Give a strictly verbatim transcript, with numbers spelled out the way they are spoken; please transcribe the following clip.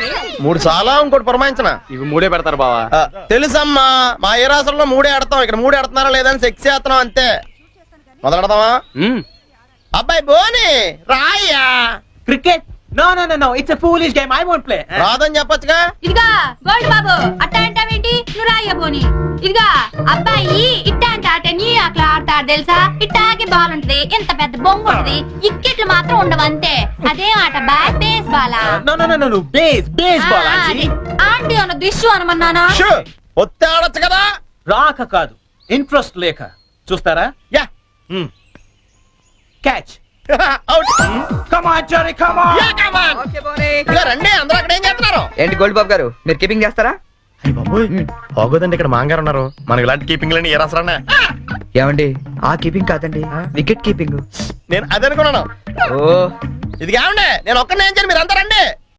మూడు చాలా ఇంకోటి పురమాయించిన ఇవి మూడే పెడతారు బావా. తెలుసమ్మా, మా ఏ రాష్ట్రంలో మూడే ఆడతాం, ఇక్కడ మూడే ఆడుతున్నారా లేదని సెక్స్ చేస్తున్నాం అంతే. మొదలెడదామా? అబ్బాయి బోని రాయ్యా. Cricket? No no no no, it's a foolish game, I won't play. రాదని చెప్పొచ్చుగా. ఇదిగా గోల్డ్ బాబు, అట్ట అంటావేంటి? నువ్వు రాయ్య బోని. ఇదిగా అబ్బాయి ఇట్ట అంటే ఆట నీ అట్లా ఆడతాడు తెలుసా? ఇట్టాకి బాల్ ఉంటది, ఇంత పెద్ద బొంగు ఉంటది, ఇక్కెట్లు మాత్రం ఉండవు అంతే. అదేం ఆట బా? బేస్ బాలా? No no no no, base baseball aunty. Aunty అన్న దిష్యు అనమన్నానా? ఒత్తే ఆడొచ్చు కదా. రాక కాదు, ఇంట్రెస్ట్ లేక. చూస్తారా? Yeah. Catch. Out. Come on Jerry, come on. Yeah come on. ఇదిగో రండి, అందరూ అక్కడ ఏం చేస్తున్నారు? ఏంటి గోల్డ్ బాబు గారు, మీరు కీపింగ్ చేస్తారా? అయ్య బాబోయ్, బాగోదండి, ఇక్కడ మాంగారు ఉన్నారు. మనకి ఇలాంటి కీపింగ్ లేని ఏ రాసరానా? ఏమండి, ఆ కీపింగ్ కాదండి, వికెట్ కీపింగ్. నేను అదే అనుకున్నాను. ఓ, ఇది కావండి, నేను ఒక్కనే ఏం చేయను, మీరు అంతా రండి.